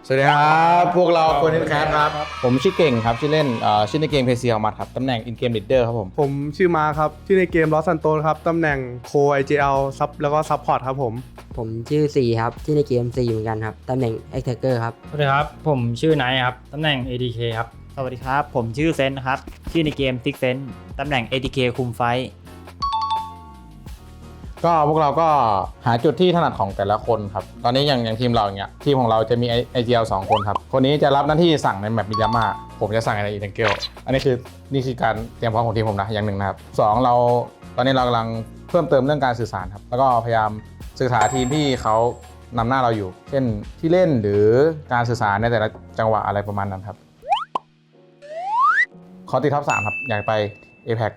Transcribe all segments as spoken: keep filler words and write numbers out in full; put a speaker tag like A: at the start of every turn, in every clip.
A: สวัสดีครับพวกเราคนนินแคสครับผมชื่อเก่งครับชื่อเล่นชื่อในเกมเพซีออมัดครับตำแหน่งอินเกมลีดเดอร์ครับผม
B: ผมชื่อมาครับชื่อในเกมลอสซันโตครับตำแหน่งโค ไอ จี แอล ซับแล้วก็ซัพพอร์ตครับผม
C: ผมชื่อซีครับชื่อในเกมซีเหมือนกันครับตำแหน่งแอคแทคเกอร์ครับ
D: สวัสดีครับผมชื่อไนท์ครับตำแหน่ง เอ ดี เค ครับ
E: สวัสดีครับผมชื่อเซนครับชื่อในเกมซิกเซนตำแหน่ง เอ ดี เค คุมไฟ
A: ก็พวกเราก็หาจุดที่ถนัดของแต่ละคนครับตอนนี้อย่างอย่างทีมเราอย่างเงี้ยทีมของเราจะมี ไอ จี แอล สองคนครับคนนี้จะรับหน้าที่สั่งในแมปมิยาม่าผมจะสั่งในอีเทนเกลอันนี้คือนี่คือการเตรียมพร้อมของทีมผมนะอย่างหนึ่งนะครับสองเราตอนนี้เรากำลังเพิ่มเติมเรื่องการสื่อสารครับแล้วก็พยายามศึกษาทีมที่เขานำหน้าเราอยู่เช่นที่เล่นหรือการสื่อสารในแต่ละจังหวะอะไรประมาณนั้นครับขอติดท็อปสามครับอยากไป เอ พี อี ซี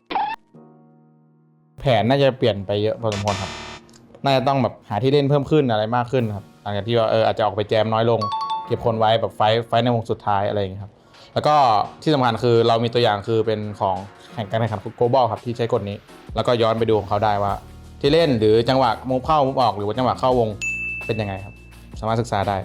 A: แผนน่าจะเปลี่ยนไปเยอะพอสมควรครับน่าจะต้องแบบหาที่เล่นเพิ่มขึ้นอะไรมากขึ้นครับหลังจากที่ว่าเอออาจจะออกไปแจมน้อยลงเก็บคนไว้แบบไฟไฟในวงสุดท้ายอะไรอย่างเงี้ยครับแล้วก็ที่สำคัญคือเรามีตัวอย่างคือเป็นของแข่งการแข่งขันโกลบอลครับที่ใช้กฎนี้แล้วก็ย้อนไปดูของเขาได้ว่าที่เล่นหรือจังหวะมุฟเข้ามุฟออกหรือว่าจังหวะเข้าวงเป็นยังไงครับสามารถศึกษาได้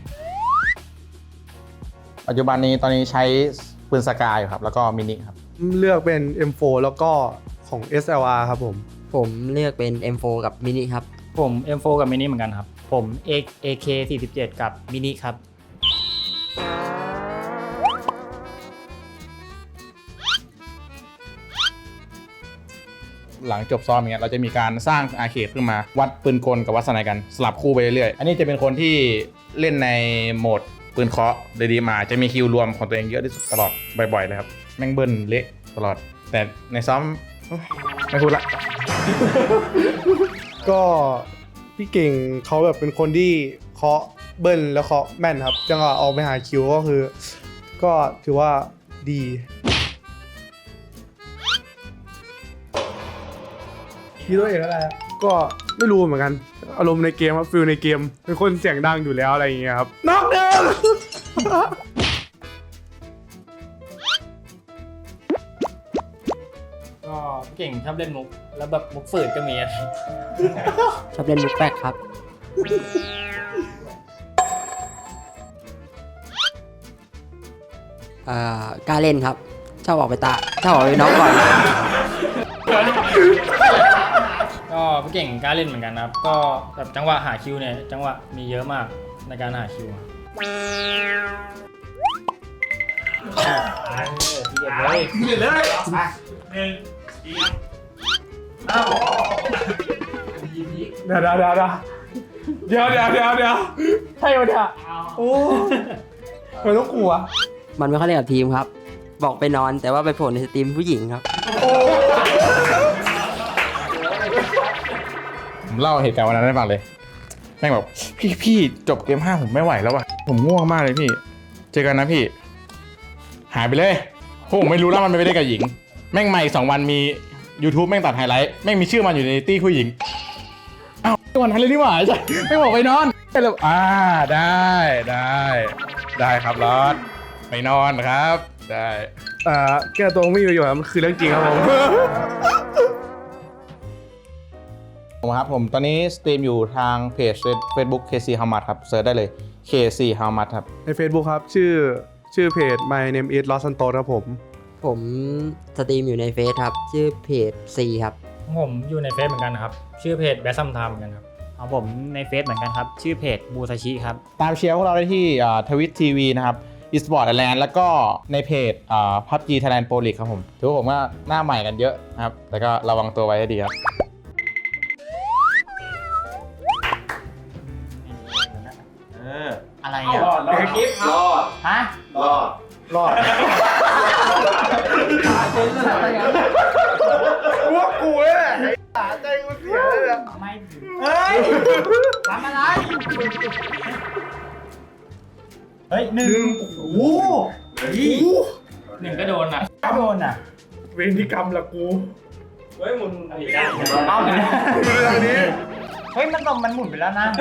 A: ปัจจุบันนี้ตอนนี้ใช้ปืนสกายอยู่ครับแล้วก็มินิครับ
B: เลือกเป็น เอ็ม โฟร์ แล้วก็ของ เอส แอล อาร์ ครับผม
C: ผมเลือกเป็น เอ็ม โฟร์ กับมินิครับ
D: ผม เอ็ม โฟร์ กับมินิเหมือนกันครับ
E: ผม เอ เค สี่สิบเจ็ด กับมินิครับ
A: หลังจบซ้อมอย่างเงี้ยเราจะมีการสร้างอาร์เคดขึ้นมาวัดปืนกลกับวัดสไนกันสลับคู่ไปเรื่อยๆอันนี้จะเป็นคนที่เล่นในโหมดปืนเคาะเลยดีมาจะมีคิวรวมของตัวเองเยอะที่สุดตลอดบ่อยๆเลยครับแม่งเบิ้ลเละตลอดแต่ในซ้อมไม่พูดละ
B: ก็พี่เก่งเขาแบบเป็นคนที่เคาะเบิ้ลแล้วเคาะแม่นครับจังหวะออกไปหาคิวก็คือก็ถือว่าดีคิดตัวเองอะไรก็ไม่รู้เหมือนกันอารมณ์ในเกมครับฟิลในเกมเป็นคนเสียงดังอยู่แล้วอะไรอย่างเงี้ยครับน็อกเดิม
D: ก็เก่งชอบเล่นมุกแล้วแบบมุกฝืดก็มีอะไร
C: ชอบเล่นมุกแป๊กครับเอ่อกล้าเล่นครับชอบออกไปตาชอบออกไปน้องก่อน
D: ก็พี่เก่งกล้าเล่นเหมือนกันครับก็แบบจังหวะหาคิวเนี่ยจังหวะมีเยอะมากในการหาคิวทีเด็ดเลยทีเด็ดเลยหนึ่งทีครับ
B: เดี๋ยวเดี๋ยวเดี๋ยวเดี๋ยวเดี๋ยวเดี๋ยวเดี๋ยวใช่ไหมเนี่ยโอ้ไม่ต้องกลัว
C: มันไม่ค่อยเล่นกับทีมครับบอกไปนอนแต่ว่าไปโผล่ในสตรีมผู้หญิงครับ
A: ผมเล่าเหตุการณ์วันนั้นให้ฟังเลยแม่งแบบพี่พี่จบเกมห้าผมไม่ไหวแล้วว่ะผมง่วงมากเลยพี่เจอกันนะพี่หายไปเลยโหผมไม่รู้แล้วมันไปได้กับหญิงแม่งใหม่สองวันมี YouTube แม่งตัดไฮไลท์แม่งมีชื่อมันอยู่ในตี้ผู้หญิงอ้าววันนั้นเลยนี่หว่าใช่ไม่บอกไปนอนแล้วอ่าได้ได้ได้ครับรอดไปนอนครับได้
B: อ่าแก้ตัวไม่อยู่อยู่ครับมันคือเรื่องจริงครับผม
A: ผมครับผมตอนนี้สตรีมอยู่ทางเพจ Facebook เค ซี How Much ครับเซิร์ชได้เลย เค ซี How Much ครับ
B: ใน Facebook ครับชื่อชื่อเพจ My Name is Los Santos ครับผม
C: ผมสตรีมอยู่ในเฟซครับชื่อเพจ C ครับ
D: ผมอยู่ในเฟซเหมือนกันครับชื่อเพจแบซัมไทม์เหมือนกันครับ
E: ของผมในเฟซเหมือนกันครับชื่อเพจบูซาชิครับ
A: ตามเชียร์พวกเราได้ที่ทวิตทีวีนะครับอีสปอร์ตไอแลนด์แล้วก็ในเพจพับจีไทยแลนด์โปรลีกครับผมถือว่าผมว่าหน้าใหม่กันเยอะนะครับแต่ก็ระวังตัวไว้ให้ดีครับ
E: อะไรอ่ะรอดรอดรอดฮะ
B: รอดรอดพวกกูเลยแหละไอ้ตาใจกูเสียเลยนะ
E: ไม่เฮ้ยทำอะไรเฮ้ยหนึ่งโอ้โห
D: หนึ่งก็โดนอ่ะ
E: ก็โดนอ่ะ
B: เวรกรรมละกู
D: เฮ้ยมึง
E: อะไรได้เอ้าเลย
B: นี้
E: เฮ้ยมันตรงมันหมุนไปแล้วนะ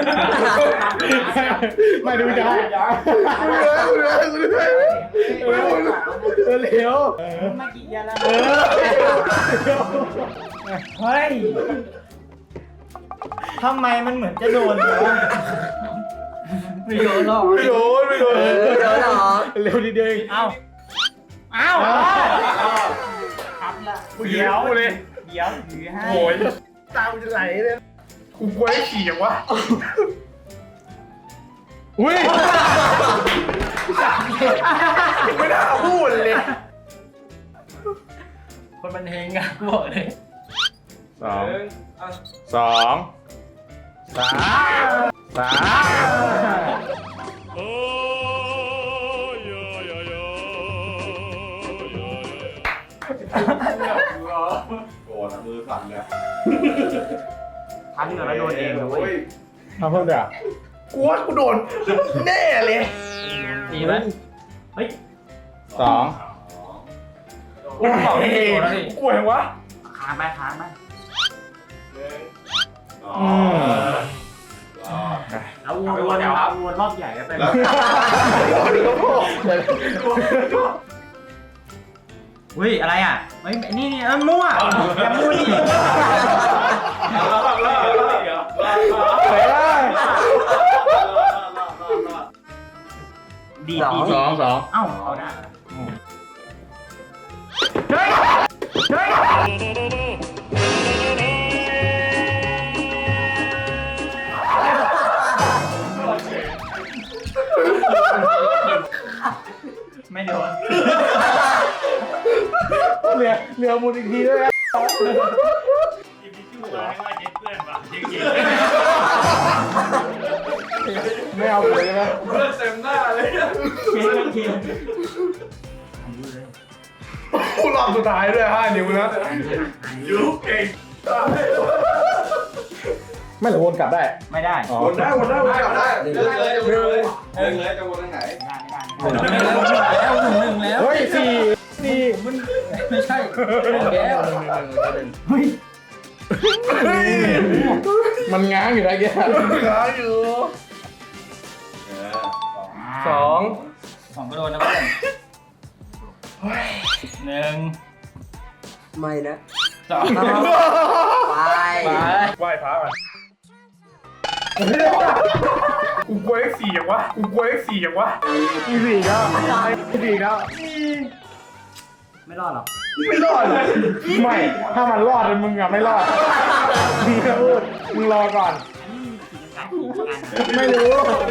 B: ไม่ดูจ้าเร็วเร็วเร็วเร็วเร็ว
E: มากี่ยันแล้วเฮ้ยทำไมมันเหมือนจะโดนเลยวะ
D: ไม่โดนหรอก
B: ไม่โดนไม่โดน
C: เออโดนเหรอ
B: เร็วนิดเดียวเอง
E: เอ้าเอ้าครับละ
B: เดี๋ยวเลย
E: เดี๋ยวถือให้
B: โอ้ยตาจะไหลเลยกูกลัวไอ้ขี่อย่างวะอุ้ยไม่น่าพูดเลย
D: คนบันเทิงอะกูบอกเลย
A: สองสองสามสาม
E: ทันเหรอแล้วโดนเองนะเว้ย
A: ทำเพิ่มเดี๋ยว
B: กูว่ากูโดนแน่เลย
D: ดีไหม
E: เฮ้ย
A: สอง
D: กูบอกให้โดนแล้วดิ
B: กลัวอย่างวะ
E: ค้างไปค้างไป
A: อืม
E: แล้ววนวนเอาวนรอบใหญ่แล้วไป อุ้ยอะไรอ่ะเฮ้ยนี่นี่เออมั่วอย่ามั่วดิ
B: เฮ้ย
E: ดีดี
A: สองสอง
E: เอ้าเอาได้ไม่โดน
B: เหลือเหลือมุนอีกทีด้วยนะไม่เอาเลยนะเลือดเต็มหน้าเลยกูรอบสุดท้ายด้วยห้านิ้วนะยูเก่ง
A: ไม่หรือวนกลับได้
E: ไม่ได้
A: อ๋อ
B: วนได้วนได้วนได้ได้เลยเลยเลยเลยจะวนทางไหน
E: ไม่ได้ไม่ได้
D: แล้วหนึ่งหนึ่งแล้ว
A: เฮ้ยสี่สี่
D: มันไม่ใช่แล้ว
E: เฮ้ย
A: มันง้างอยู่นะแก
B: ขาอยู่สอง
D: สองก็โดนนะเพื่อนหนึ่ง
C: ไม่นะ
D: สอง
C: ไป
D: ไป
B: ไหว้พระก่อนกูกลัวเลขสี่อย่างวะกูกลัวเลขสี่อย่างวะมีสี่แล้วมีสี่แล้ว
E: ไม่รอดหรอก
B: ไม่รอดเลย
A: ไม่ ถ้ามันรอดเลยมึงอะไม่รอดมึงจะพูดมึงรอก่อน ไม่รู้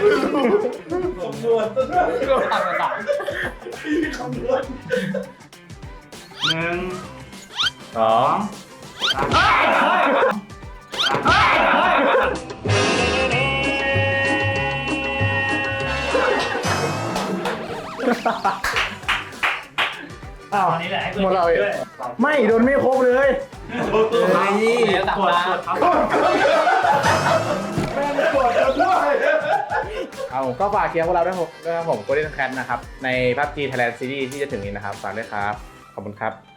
D: ก็ทำกระต่าย
E: หนึ่ง
A: สอง
B: อ้าว
E: นี่แหละ
A: หมดเราอีกไม่โดนไม่ครบเลย
C: ไม่นี่
D: เดี๋ยวตัด
E: กด
D: ตาก
E: ดครับ
B: แม่งกดกันด้วย
A: เอาก็ฝากเชียร์พวกเราด้วยผมด้วยครับผม Golden Cat นะครับ ใน พับจี Thailand Series ที่จะถึงนี้นะครับ ฝากด้วยครับ ขอบคุณครับ